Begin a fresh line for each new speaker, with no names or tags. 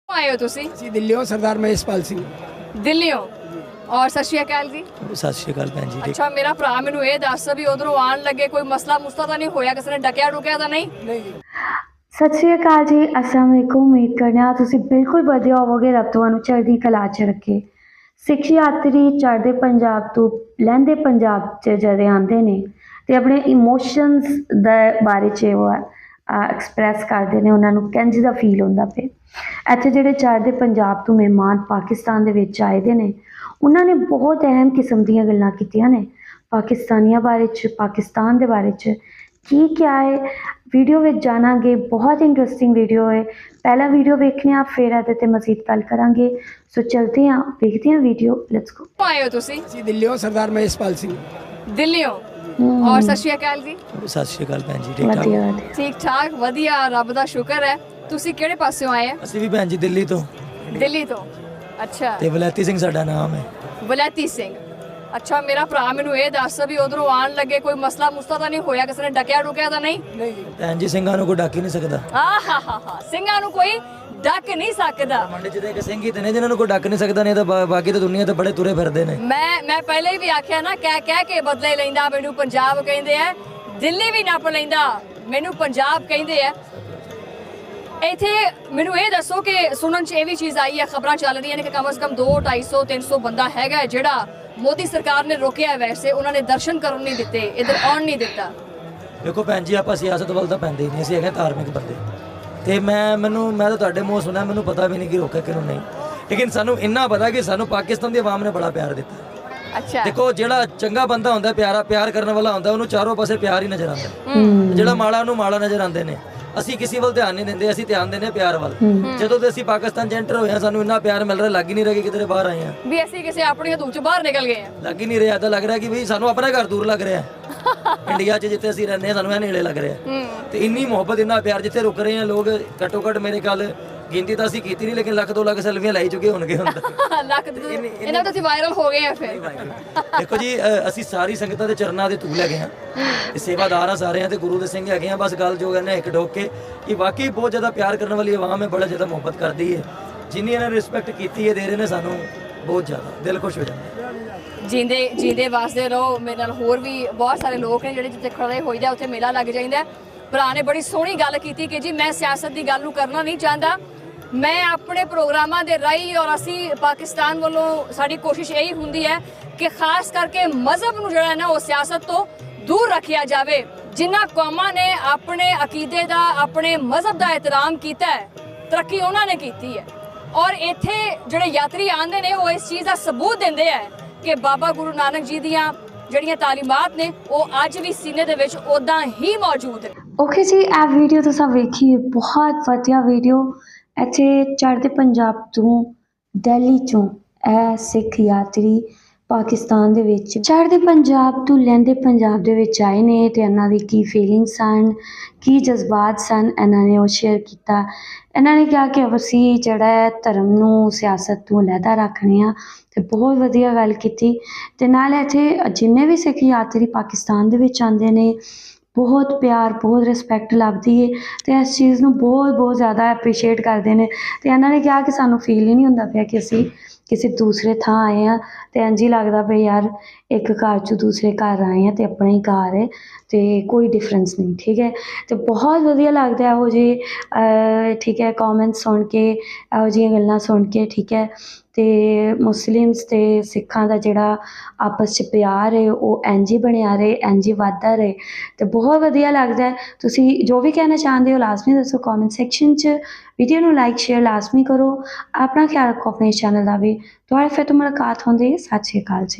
आए हो तुसी?
जी दिल्ली सरदार महेशपाल सिंह।
दिल्ली हो और सत श्री अकाल जी।
सत श्री अकाल भैन जी।
अच्छा मेरा भरा मैनू ये दस भी उधरों आन लगे कोई मसला मुसला तो नहीं होया, किसी ने डकिया डुकिया तो नहीं?
सत श्री अकाल जी, अस्सलाम वालेकुम। उम्मीद करने तुसी बिल्कुल वधिया होवोगे, रब तुहानू चढ़दी कला च रखे। सिख यात्री चढ़दे पंजाब तो लहंदे पंजाब च जदे आंदे ने ते अपने इमोशनस दे बारे च एक्सप्रैस करते हैं, उन्होंने किंज दा फील होंदा पे। इत्थे जिहड़े चढ़दे पंजाब तो मेहमान पाकिस्तान दे विच आए दे ने, उन्होंने बहुत अहम किस्म दीयां गल्लां कीतियां ने पाकिस्तानियां बारे च, पाकिस्तान दे बारे च की क्या है। वीडियो में जानांगे, बहुत इंटरेस्टिंग वीडियो है। पहला वीडियो देखने आप, फिर ਇਹਦੇ ਤੇ मजीद गल करांगे। सो चलते हैं, देखते हैं वीडियो, लेट्स गो।
आए हो तुसी?
जी दिल्ली सरदार महेशपाल सिंह।
दिल्ली हो और सत श्री अकाल जी।
सत श्री अकाल भैन जी। ठीक
वधिया
ठाक
वधिया।
ठीक ठाक वधिया, रब दा शुक्र है। तुसी किहड़े पासों आए हैं?
ਅਸੀਂ ਵੀ ਭੈਣ ਜੀ ਦਿੱਲੀ ਤੋਂ
दिल्ली तो। अच्छा
ਤੇ ਵਲੈਤੀ ਸਿੰਘ ਸਾਡਾ ਨਾਮ ਹੈ।
वलैती सिंह। अच्छा मेरा भरा मैनू ये दस भी उधरों आन लगे कोई मसला मुसला तो नहीं होया, किसी ने डकिया डुकिया तो नहीं?
ਭੈਣ ਜੀ ਸਿੰਘਾਂ ਨੂੰ ਕੋਈ ਡੱਕ ਹੀ ਨਹੀਂ ਸਕਦਾ।
ਸਿੰਘਾਂ ਨੂੰ ਕੋਈ ਡੱਕ ਨਹੀਂ ਸਕਦਾ।
ਮੰਡੇ ਚ ਤੇ ਇੱਕ ਸਿੰਘ ਹੀ ਤੇ ਨੇ ਜਿਨ੍ਹਾਂ ਨੂੰ ਕੋਈ ਡੱਕ ਨਹੀਂ ਸਕਦਾ, ਨਹੀਂ ਤਾਂ ਬਾਕੀ ਤਾਂ ਦੁਨੀਆ ਤੇ ਬੜੇ ਤੁਰੇ ਫਿਰਦੇ ਨੇ।
ਮੈਂ ਪਹਿਲੇ ਵੀ ਆਖਿਆ ਨਾ, ਕਹਿ ਕੇ ਬਦਲੇ ਲੈਂਦਾ। ਮੈਨੂੰ ਪੰਜਾਬ ਕਹਿੰਦੇ ਆ, ਦਿੱਲੀ ਵੀ ਨੱਪ ਲੈਂਦਾ, ਮੈਨੂੰ ਪੰਜਾਬ ਕਹਿੰਦੇ ਆ। ਇੱਥੇ ਮੈਨੂੰ ਇਹ ਦੱਸੋ ਕਿ ਸੁਣਨ 'ਚ ਇਹ ਵੀ ਚੀਜ਼ ਆਈ ਹੈ, ਖਬਰਾਂ ਚੱਲ ਰਹੀਆਂ ਨੇ ਕਿ ਕਮ ਸੇ ਕਮ 200, 250, 300 ਬੰਦਾ ਹੈਗਾ ਜਿਹੜਾ ਮੋਦੀ ਸਰਕਾਰ ਨੇ ਰੋਕਿਆ। ਵੈਸੇ ਉਹਨਾਂ ਨੇ ਦਰਸ਼ਨ ਕਰਨ ਨਹੀਂ ਦਿੱਤੇ, ਇੱਧਰ ਆਉਣ ਨਹੀਂ ਦਿੱਤਾ।
ਦੇਖੋ ਭੈਣ ਜੀ, ਆਪਾਂ ਸਿਆਸਤ ਵੱਲ ਤਾਂ ਪੈਂਦੇ ਹੀ ਨਹੀਂ, ਅਸੀਂ ਹੈਗੇ ਧਾਰਮਿਕ ਬੰਦੇ। ਤੇ ਮੈਂ ਤਾਂ ਤੁਹਾਡੇ ਮੂੰਹ ਸੁਣਿਆ, ਮੈਨੂੰ ਪਤਾ ਵੀ ਨਹੀਂ ਕਿ ਰੋਕਿਆ ਕਿਹਨੂੰ ਨਹੀਂ, ਲੇਕਿਨ ਸਾਨੂੰ ਇੰਨਾ ਪਤਾ ਕਿ ਸਾਨੂੰ ਪਾਕਿਸਤਾਨ ਦੀ ਆਵਾਮ ਨੇ ਬੜਾ ਪਿਆਰ ਦਿੱਤਾ।
ਅੱਛਾ
ਦੇਖੋ, ਜਿਹੜਾ ਚੰਗਾ ਬੰਦਾ ਹੁੰਦਾ, ਪਿਆਰ ਕਰਨ ਵਾਲਾ ਹੁੰਦਾ, ਉਹਨੂੰ ਚਾਰੋਂ ਪਾਸੇ ਪਿਆਰ ਹੀ ਨਜ਼ਰ ਆਉਂਦਾ। ਜਿਹੜਾ ਮਾੜਾ, ਉਹਨੂੰ ਮਾੜਾ ਨਜ਼ਰ ਆਉਂਦੇ ਨੇ। ਅਸੀਂ ਕਿਸੇ ਵੱਲ ਧਿਆਨ ਨਹੀਂ ਦਿੰਦੇ, ਅਸੀਂ ਧਿਆਨ ਦਿੰਦੇ ਪਿਆਰ ਵੱਲ। ਜਦੋਂ ਤੇ ਅਸੀਂ ਪਾਕਿਸਤਾਨ 'ਚ ਐਂਟਰ ਹੋਏ ਹਾਂ, ਸਾਨੂੰ ਇੰਨਾ ਪਿਆਰ ਮਿਲ ਰਿਹਾ, ਲੱਗ ਹੀ ਨਹੀਂ ਰਿਹਾ ਕਿ ਕਿਤੇ ਬਾਹਰ ਆਏ ਹਾਂ,
ਵੀ ਅਸੀਂ ਕਿਸੇ ਆਪਣੀ ਹਦੂਦ 'ਚ ਬਾਹਰ ਨਿਕਲ ਗਏ ਹਾਂ।
ਲੱਗ ਹੀ ਨਹੀਂ ਰਿਹਾ। ਤਾਂ ਲੱਗ ਰਿਹਾ ਕਿ ਵੀ ਸਾਨੂੰ ਆਪਣਾ ਘਰ ਦੂਰ ਲੱਗ ਰਿਹਾ। ਇੰਡੀਆ 'ਚ ਜਿੱਥੇ ਅਸੀਂ ਰਹਿੰਦੇ ਹਾਂ, ਸਾਨੂੰ ਇਹ ਨੇੜੇ ਲੱਗ ਰਿਹਾ। ਤੇ ਇੰਨੀ ਮੁਹੱਬਤ, ਇੰਨਾ ਪਿਆਰ, ਜਿੱਥੇ ਰੁਕ ਰਹੇ ਹਾਂ ਲੋਕ, ਘੱਟੋ ਘੱਟ ਮੇਰੇ ਕੱਲ ਗਿਣਤੀ ਤਾਂ ਅਸੀਂ ਕੀਤੀ ਨਹੀਂ, ਲੇਕਿਨ ਲੱਖ 2 ਲੱਖ ਸੈਲਫੀਆਂ ਲਾਈ ਚੁੱਕੇ ਹੋਣਗੇ ਹੁਣ ਤਾਂ।
ਲੱਖ ਇਹਨਾਂ ਤਾਂ ਅਸੀਂ ਵਾਇਰਲ ਹੋ ਗਏ ਆ ਫਿਰ।
ਦੇਖੋ ਜੀ, ਅਸੀਂ ਸਾਰੀ ਸੰਗਤਾਂ ਦੇ ਚਰਨਾਂ ਦੇ ਧੂਲ ਹੈਗੇ ਹਾਂ, ਤੇ ਸੇਵਾਦਾਰ ਆ ਸਾਰੇ, ਤੇ ਗੁਰੂ ਦੇ ਸਿੰਘ ਹੈਗੇ ਆ। ਬਸ ਗੱਲ ਜੋ ਕਹਿੰਦੇ ਇੱਕ ਡੋਕ ਕੇ ਕਿ ਵਾਕਈ ਬਹੁਤ ਜ਼ਿਆਦਾ ਪਿਆਰ ਕਰਨ ਵਾਲੀ ਆਵਾਮ ਹੈ, ਬੜਾ ਜ਼ਿਆਦਾ ਮੁਹੱਬਤ ਕਰਦੀ ਹੈ। ਜਿੰਨੀ ਇਹਨਾਂ ਨੇ ਰਿਸਪੈਕਟ ਕੀਤੀ ਹੈ, ਦੇ ਰਹੇ ਨੇ ਸਾਨੂੰ, ਬਹੁਤ ਜ਼ਿਆਦਾ ਦਿਲ ਖੁਸ਼ ਹੋ ਜਾਂਦਾ।
ਜਿੰਦੇ ਵਾਸਤੇ ਰਹੋ। ਮੇਰੇ ਨਾਲ ਹੋਰ ਵੀ ਬਹੁਤ ਸਾਰੇ ਲੋਕ ਨੇ ਜਿਹੜੇ ਜਿੱਥੇ ਖੜੇ ਹੋਈਦਾ ਉੱਥੇ ਮੇਲਾ ਲੱਗ ਜਾਂਦਾ। ਭਰਾ ਨੇ ਬੜੀ ਸੋਹਣੀ ਗੱਲ ਕੀਤੀ ਕਿ ਜੀ ਮੈਂ ਸਿਆਸਤ ਦੀ ਗੱਲ ਨੂੰ ਕਰਨਾ ਨਹੀਂ ਚਾਹੁੰਦਾ, ਮੈਂ ਆਪਣੇ ਪ੍ਰੋਗਰਾਮਾਂ ਦੇ ਰਾਹੀਂ, ਔਰ ਅਸੀਂ ਪਾਕਿਸਤਾਨ ਵੱਲੋਂ ਸਾਡੀ ਕੋਸ਼ਿਸ਼ ਇਹੀ ਹੁੰਦੀ ਹੈ ਕਿ ਖਾਸ ਕਰਕੇ ਮਜ਼ਹਬ ਨੂੰ ਜਿਹੜਾ ਨਾ ਉਹ ਸਿਆਸਤ ਤੋਂ ਦੂਰ ਰੱਖਿਆ ਜਾਵੇ। ਜਿਨ੍ਹਾਂ ਕੌਮਾਂ ਨੇ ਆਪਣੇ ਅਕੀਦੇ ਦਾ, ਆਪਣੇ ਮਜ਼ਹਬ ਦਾ ਇਹਤਰਾਮ ਕੀਤਾ ਹੈ, ਤਰੱਕੀ ਉਹਨਾਂ ਨੇ ਕੀਤੀ ਹੈ। ਔਰ ਇੱਥੇ ਜਿਹੜੇ ਯਾਤਰੀ ਆਉਂਦੇ ਨੇ, ਉਹ ਇਸ ਚੀਜ਼ ਦਾ ਸਬੂਤ ਦਿੰਦੇ ਹੈ ਕਿ ਬਾਬਾ ਗੁਰੂ ਨਾਨਕ ਜੀ ਦੀਆਂ ਜਿਹੜੀਆਂ ਤਾਲੀਮਾਤ ਨੇ ਉਹ ਅੱਜ ਵੀ ਸੀਨੇ ਦੇ ਵਿੱਚ ਉਦਾਂ ਹੀ ਮੌਜੂਦ ਹੈ।
ओके जी, ਇਹ ਵੀਡੀਓ ਤੁਸੀਂ ਵੇਖੀ, ਬਹੁਤ ਵਧੀਆ ਵੀਡੀਓ। ਇੱਥੇ ਚੜ੍ਹਦੇ ਪੰਜਾਬ ਤੋਂ, ਦਿੱਲੀ ਚੋਂ ਇਹ ਸਿੱਖ ਯਾਤਰੀ ਪਾਕਿਸਤਾਨ ਦੇ ਵਿੱਚ ਚੜ੍ਹਦੇ ਪੰਜਾਬ ਤੋਂ ਲਹਿੰਦੇ ਪੰਜਾਬ ਦੇ ਵਿੱਚ ਆਏ ਨੇ, ਤੇ ਇਹਨਾਂ ਦੀ ਕੀ ਫੀਲਿੰਗਸ ਸਨ, ਕੀ ਜਜ਼ਬਾਤ ਸਨ, ਇਹਨਾਂ ਨੇ ਉਹ ਸ਼ੇਅਰ ਕੀਤਾ। ਇਹਨਾਂ ਨੇ ਕਿਹਾ ਕਿ ਅਸੀਂ ਜਿਹੜਾ ਹੈ ਧਰਮ ਨੂੰ ਸਿਆਸਤ ਤੋਂ ਅਲੱਗਾ ਰੱਖਣੇ ਆ, ਤੇ ਬਹੁਤ ਵਧੀਆ ਗੱਲ ਕੀਤੀ। ਤੇ ਨਾਲ ਇੱਥੇ ਜਿੰਨੇ ਵੀ ਸਿੱਖ ਯਾਤਰੀ ਪਾਕਿਸਤਾਨ ਦੇ ਵਿੱਚ ਆਉਂਦੇ ਨੇ, ਬਹੁਤ ਪਿਆਰ, ਬਹੁਤ ਰਿਸਪੈਕਟ ਲੱਭਦੀ ਹੈ, ਤੇ ਇਸ ਚੀਜ਼ ਨੂੰ ਬਹੁਤ ਜ਼ਿਆਦਾ ਐਪਰੀਸ਼ੀਏਟ ਕਰਦੇ ਨੇ। ਤੇ ਇਹਨਾਂ ਨੇ ਕਿਹਾ ਕਿ ਸਾਨੂੰ ਫੀਲ ਹੀ ਨਹੀਂ ਹੁੰਦਾ ਪਿਆ ਕਿ ਅਸੀਂ ਕਿਸੇ ਦੂਸਰੇ ਥਾਂ ਆਏ ਹਾਂ, ਤੇ ਇੰਝ ਹੀ ਲੱਗਦਾ ਪਿਆ ਯਾਰ ਇੱਕ ਘਰ 'ਚੋਂ ਦੂਸਰੇ ਘਰ ਆਏ ਹਾਂ, ਤੇ ਆਪਣਾ ਹੀ ਘਰ ਹੈ, ਤੇ ਕੋਈ ਡਿਫਰੈਂਸ ਨਹੀਂ। ਠੀਕ ਹੈ, ਤੇ ਬਹੁਤ ਵਧੀਆ ਲੱਗਦਾ ਇਹੋ ਜਿਹੇ ਠੀਕ ਹੈ ਕੌਮੈਂਟ ਸੁਣ ਕੇ, ਇਹੋ ਜਿਹੀਆਂ ਗੱਲਾਂ ਸੁਣ ਕੇ। ਠੀਕ ਹੈ, ਤੇ ਮੁਸਲਿਮਸ ਤੇ ਸਿੱਖਾਂ ਦਾ ਜਿਹੜਾ ਆਪਸ 'ਚ ਪਿਆਰ ਹੈ ਉਹ ਇੰਝ ਹੀ ਬਣਿਆ ਰਹੇ, ਇੰਝ ਹੀ ਵੱਧਦਾ ਰਹੇ, ਤੇ ਬਹੁਤ ਵਧੀਆ ਲੱਗਦਾ। ਤੁਸੀਂ ਜੋ ਵੀ ਕਹਿਣਾ ਚਾਹੁੰਦੇ ਹੋ ਲਾਜ਼ਮੀ ਦੱਸੋ ਕੌਮੈਂਟ ਸੈਕਸ਼ਨ 'ਚ। ਵੀਡੀਓ ਨੂੰ ਲਾਈਕ ਸ਼ੇਅਰ ਲਾਜ਼ਮੀ ਕਰੋ। ਆਪਣਾ ਖਿਆਲ ਰੱਖੋ ਆਪਣੇ ਚੈਨਲ ਦਾ ਵੀ। ਤੁਹਾਡੇ ਫਿਰ ਤੋਂ ਮੁਲਾਕਾਤ ਹੁੰਦੀ ਹੈ। ਸਤਿ ਸ਼੍ਰੀ ਅਕਾਲ ਜੀ।